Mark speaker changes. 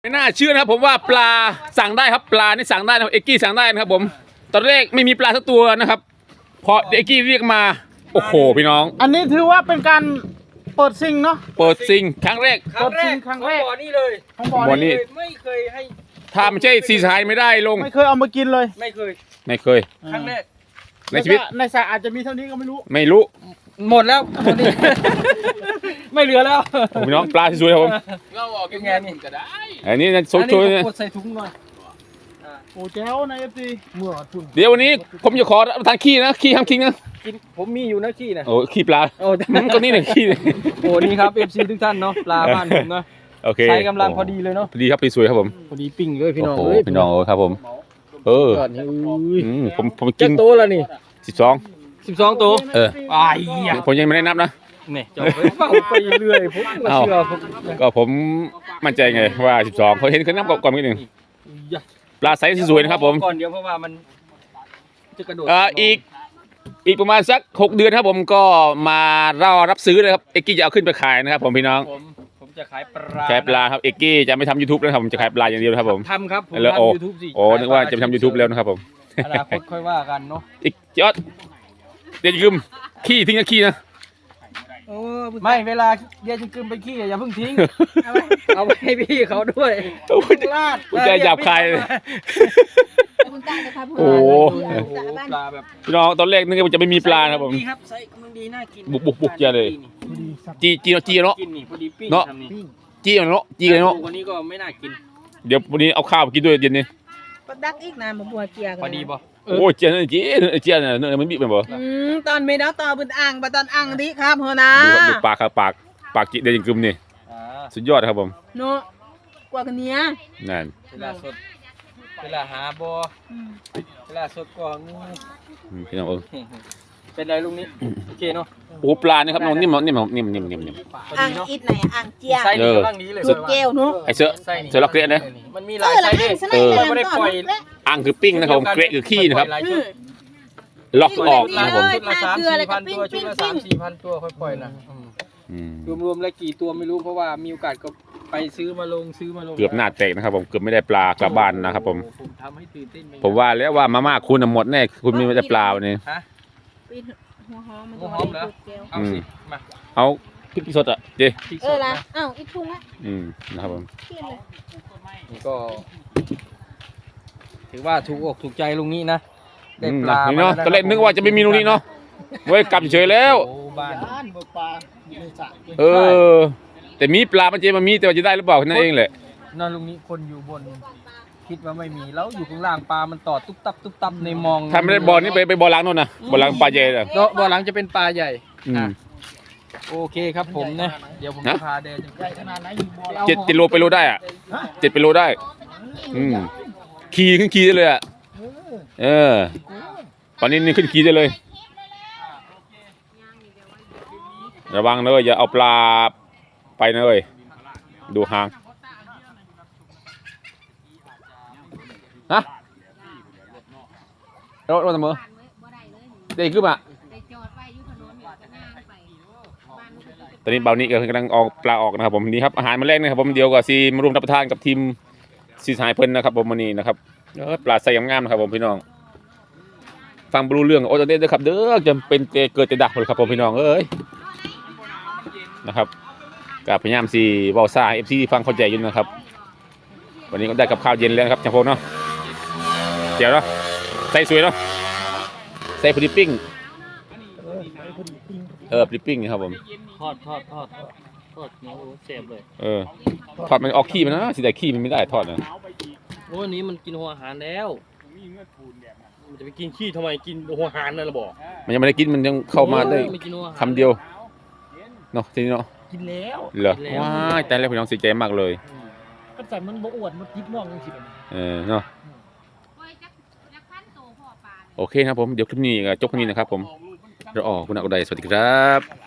Speaker 1: ไม่น่าเชื่อนะครับผมว่าปลาสั่งได้ครับปลานี่สั่งได้นะเอกกี้สั่งได้นะครับผมตอนแรกไม่มีปลาสักตัวนะครับพอเอกกี้เรียกมาโอ้โหพี่น้อง
Speaker 2: อันนี้ถือว่าเป็นการเปิดซิงเนาะ
Speaker 1: เปิดซิงครั้งแรก
Speaker 2: เปิดซิงครั้งแรก
Speaker 3: บ่อนี่เลย
Speaker 1: บ่อนี้
Speaker 3: ไม่เคยให้
Speaker 1: ถ้าไม่ใช่ซีสายไม่ได้ลง
Speaker 2: ไม่เคยเอามากินเลย
Speaker 3: ไม่เคยครั้งแรก
Speaker 1: ในชีวิต
Speaker 2: ในสระอาจจะมีเท่านี้ก็ไม่รู้
Speaker 3: หมดแล้วหมดนี่ไม่เหลือแล้ว
Speaker 1: พี่น้องปลาสวยๆครับผม
Speaker 3: เราออกยังไงนี่ก็ได้
Speaker 1: อันนี้นะสวยๆเนี่ย
Speaker 3: ใส่ถุงหน่อย
Speaker 2: โอ้แจ๋วในเอฟซีเมื่อทุน
Speaker 1: เดี๋ยววันนี้ผมจะขอทานขี้นะขี้ห้ามทิ้งนะ
Speaker 3: กินผมมีอยู่นะขี้นะ
Speaker 1: โอ้ขี้ปลา
Speaker 3: โอ้
Speaker 1: ก็นี่หนึ่งขี้
Speaker 3: โอ้นี่ครับเอฟซีทุกท่านเนาะปลาบ้านผมนะ
Speaker 1: โอเค
Speaker 3: ใช้กำลังพอดีเลยเนาะ
Speaker 1: พอดีครับสวยครับผม
Speaker 3: พอดีปิ้งเลยพี่น้อง
Speaker 1: พี่น้องครับผมผมกิน
Speaker 3: โตแล้วนี่12ตัว
Speaker 1: ผมยังไม่ได้นับนะ
Speaker 3: เนี่ยจะไปเรื่อยผมเชื่อ
Speaker 1: ก็ผมมั่นใจไงว่า12เขาเห็นเขานับก่อนนิดนึงปลาไซส์สวยนะครับผม
Speaker 3: ก่อนเดียวเพราะว่ามันจะกระโดด
Speaker 1: อีกประมาณสัก6 เดือนครับผมก็มารอรับซื้อเลยครับเอกกี้จะเอาขึ้นไปขายนะครับผมพี่น้อง
Speaker 3: ผมจะขายปลา
Speaker 1: ครับเอกกี้จะไม่ทำ YouTube นะครับผมจะขายปลาอย่างเดียวครับผม
Speaker 3: ทำครับผม
Speaker 1: แล้ว
Speaker 3: ทำ YouTube สิ
Speaker 1: นึกว่าจะไปทำ YouTube แล้วนะครับผม
Speaker 3: อนาคตค่อยว่ากันเนาะ
Speaker 1: อีกยอดเดี๋ยวจะกึมขี้ทิ้งขี้นะ
Speaker 3: ไม่เวลาเดี๋ยวจะกึมไปขี้อย่าเพิ่งทิ้งเอาไปให้พี่เขาด้วย
Speaker 1: ลาดจะหยาบคายโอ้
Speaker 3: ปลาแบบ
Speaker 1: พี่น้องตอนแรกนึกว่าจะไม่มีปลาครับผม
Speaker 3: ครับไซส์มันดีน่ากิน
Speaker 1: บุกเจเลยจีเนาะเนาะจีเนาะ
Speaker 3: วันนี้ก็ไม่น่ากิน
Speaker 1: เดี๋ยววันนี้เอาข้าวกินด้วยเย็นนี้
Speaker 4: ปักดักอีกนะมาบัวเกียกัน
Speaker 3: พอดีป่ะ
Speaker 1: โอ้เจียนเนี่ยมันบีบมันบ่
Speaker 4: ตอนไม่ได้ต่อบนอ่างตอนอ่างดิครับเฮนะ
Speaker 1: ดูปากครับปากจีเดียงกึมนี่สุดยอดครับผม
Speaker 4: เนาะกว่ากันเนี้ย
Speaker 1: นั่น
Speaker 3: เวลาสดเวลาหาบ่เวลาสดกว่างู
Speaker 1: พี่น้อง
Speaker 3: เป็นไรลุงนี้โอเคเนาะ
Speaker 1: โอ้ปลานี่ครับน้องนิ่ม
Speaker 4: อ่างอิดไหนอ่างเจีย
Speaker 3: ไส้นี่กำลังดีเลย
Speaker 4: สุดเกลเนาะ
Speaker 1: ไอเสือล็อกเกะนะ
Speaker 3: มันมีหลายไส้ด้วยไม่ได้ปล่อย
Speaker 1: อ่างคือปิ้งนะครับเกะคือขี้นะครับล็อกออกนะครับผม
Speaker 3: ชุดละ3-4,000 ตัวชุดละ3-4,000 ตัวค่อยปล่อยนะรวมๆแล้วกี่ตัวไม่รู้เพราะว่ามีโอกาสก็ไปซื้อมาลง
Speaker 1: เกือบหน้าแตกนะครับผมเกือบไม่ได้ปลากลับบ้านนะครับผม
Speaker 3: ทำให้ตื่นเต้น
Speaker 1: ผมว่าแล้วว่ามาม่าคุณหมดแน่คุณไม่ได้ปลาวันนี้
Speaker 4: หัวหอม
Speaker 3: แล้วเอาสิมา
Speaker 1: เอาพริกสดอ่ะเจ๊
Speaker 4: ละอ้าวอีกทุ่งละ
Speaker 1: นะครับผม
Speaker 3: นี่ก็ถือว่าถูกอกถูกใจลุงนี้นะได้ปลา
Speaker 1: เนาะตอนแรกนึกว่าจะไม่มีลุงนี้เนาะเว้ยกลับเฉยแล้ว
Speaker 3: บ้าน
Speaker 2: ปลา
Speaker 1: แต่มีปลามันจะมามีแต่ว่าจะได้หรือเปล่านั่นเองแหละ
Speaker 3: นอนลุงนี้คนอยู่บนคิดว่าไม่มีแล้วอยู่ข้างล่างปลามันต่อตุ๊บตับในมอง
Speaker 1: ทำไม่ได้บ่อนี้ไปบ่อล้างโน่นนะบ่อล้างปลาใหญ่เลย
Speaker 3: บ่อล้างจะเป็นปลาใหญ่โอเคครับผมนะเดี๋ยวผมจะพาเดิน
Speaker 1: 7 กิโลไปโลได้อ่ะ7 ไปโลได้ขี่ขึ้นขี่ได้เลยอ่ะตอนนี้นี่ขึ้นขี่ได้เลยระวังเลยอย่าเอาปลาไปนะเลยดูหางฮะรถเสมอเด็กขึ้นมาตอนนี้เบานี้กำลังออกปลาออกนะครับผมนี่ครับอาหารมาแรกนะครับผมเดี๋ยวก็ซีมาร่วมรับประทานกับทีมซีสายเพิ่นนะครับผมวันนี้นะครับปลาใส่งามๆนะครับผมพี่น้องฟังบรูเรื่องโอ้ตอนนี้เด้อครับเด้อจะเป็นเกิดจะดักเลยครับผมพี่น้องเอ้ยนะครับกับพยายามซีบอลซ่าFCฟังเข้าใจอยู่นะครับวันนี้ก็ได้กับข้าวเย็นแล้วครับจังพงเนาะเจ๋วเนาะใส่สวยเนาะใส่พริปปิ้งพริปปิ้งครับผม
Speaker 3: ทอดเนื้อเสียบเลย
Speaker 1: ทอดมันออกขี้มันนะสิแต่ขี้มันไม่ได้ทอดนะ
Speaker 3: โอ้อันนี้มันกินหัวอาหารแล้วมันจะไปกินขี้ทำไมกินหัวอาหารนั่นล่ะบอก
Speaker 1: มันยังไม่ได้กินมันยังเข้ามาได้คำเดียวเนาะทีนี้เนาะ
Speaker 3: กินแล้ว
Speaker 1: เหรอว้ายแต่แล้วพี่น้องเสียใจมากเลย
Speaker 2: ก็ใส่มันบ่อวดมันยิบมองจริง
Speaker 1: ๆเนาะโอเคครับผมเดี๋ยวคลิปนี้จบแค่นี้นะครับผมเราออกคุณอักไดสวัสดีครับ